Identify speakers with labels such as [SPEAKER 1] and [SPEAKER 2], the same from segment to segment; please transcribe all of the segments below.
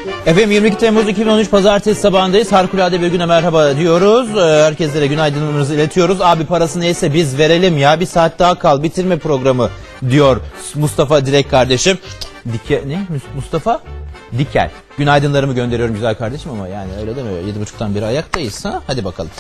[SPEAKER 1] Efendim 22 Temmuz 2013 Pazartesi sabahındayız. Harikulade bir güne merhaba diyoruz. Herkeslere günaydınlarımızı iletiyoruz. Abi parası neyse biz verelim ya. Bir saat daha kal bitirme programı diyor Mustafa Dilek kardeşim. Mustafa? Dikel. Günaydınlarımı gönderiyorum güzel kardeşim ama yani öyle demiyor. 7.30'dan beri ayaktayız ha. Hadi bakalım.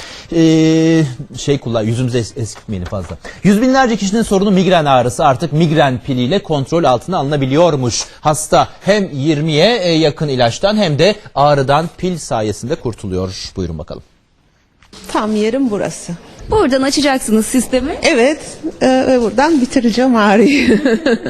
[SPEAKER 1] Yüzümüzü eskitmeyin fazla. Yüz binlerce kişinin sorunu migren ağrısı artık migren piliyle kontrol altına alınabiliyormuş. Hasta hem 20'ye yakın ilaçtan hem de ağrıdan pil sayesinde kurtuluyor. Buyurun bakalım.
[SPEAKER 2] Tam yerim burası.
[SPEAKER 3] Buradan açacaksınız sistemi.
[SPEAKER 2] Evet ve buradan bitireceğim ağrıyı.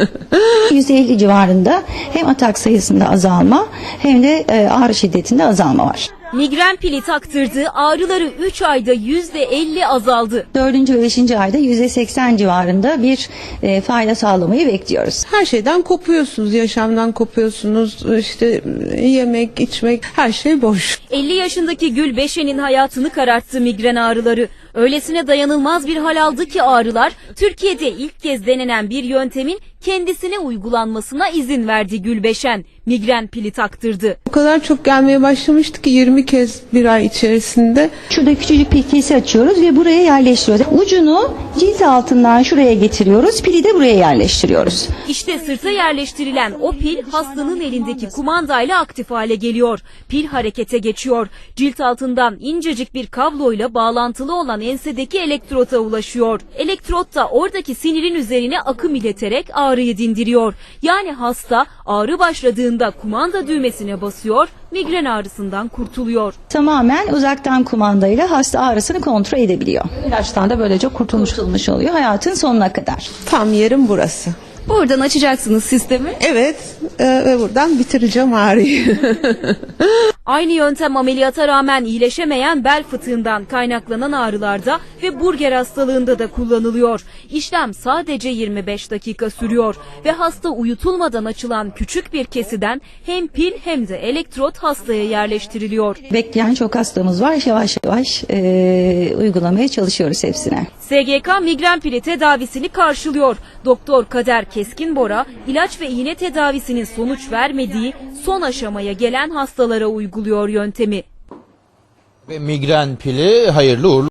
[SPEAKER 4] 150 civarında hem atak sayısında azalma hem de ağrı şiddetinde azalma var.
[SPEAKER 3] Migren pili taktırdığı ağrıları 3 ayda %50 azaldı.
[SPEAKER 4] 4. ve 5. ayda %80 civarında bir fayda sağlamayı bekliyoruz.
[SPEAKER 2] Her şeyden kopuyorsunuz, yaşamdan kopuyorsunuz. İşte yemek, içmek, her şey boş.
[SPEAKER 3] 50 yaşındaki Gülbeşen'in hayatını kararttı migren ağrıları. Öylesine dayanılmaz bir hal aldı ki ağrılar, Türkiye'de ilk kez denenen bir yöntemin kendisine uygulanmasına izin verdi Gülbeşen. Migren pili taktırdı.
[SPEAKER 2] O kadar çok gelmeye başlamıştı ki 20 kez bir ay içerisinde.
[SPEAKER 4] Şurada küçücük bir kesi açıyoruz ve buraya yerleştiriyoruz. Ucunu cilt altından şuraya getiriyoruz, pili de buraya yerleştiriyoruz.
[SPEAKER 3] İşte sırta yerleştirilen o pil hastanın elindeki kumandayla aktif hale geliyor. Pil harekete geçiyor. Cilt altından incecik bir kabloyla bağlantılı olan ensedeki elektrota ulaşıyor. Elektrot da oradaki sinirin üzerine akım ileterek ağrıyı dindiriyor. Yani hasta ağrı başladığında kumanda düğmesine basıyor, migren ağrısından kurtuluyor.
[SPEAKER 4] Tamamen uzaktan kumandayla hasta ağrısını kontrol edebiliyor. İlaçtan da böylece kurtulmuş oluyor hayatın sonuna kadar.
[SPEAKER 2] Tam yerim burası.
[SPEAKER 3] Buradan açacaksınız sistemi.
[SPEAKER 2] Evet ve buradan bitireceğim ağrıyı.
[SPEAKER 3] Aynı yöntem ameliyata rağmen iyileşemeyen bel fıtığından kaynaklanan ağrılarda ve burger hastalığında da kullanılıyor. İşlem sadece 25 dakika sürüyor ve hasta uyutulmadan açılan küçük bir kesiden hem pil hem de elektrot hastaya yerleştiriliyor.
[SPEAKER 4] Bekleyen çok hastamız var. Yavaş yavaş uygulamaya çalışıyoruz hepsine.
[SPEAKER 3] SGK migren pili tedavisini karşılıyor. Doktor Kader Keskinbora, ilaç ve iğne tedavisinin sonuç vermediği son aşamaya gelen hastalara uyguluyor yöntemi.
[SPEAKER 1] Ve migren pili hayırlı uğurlu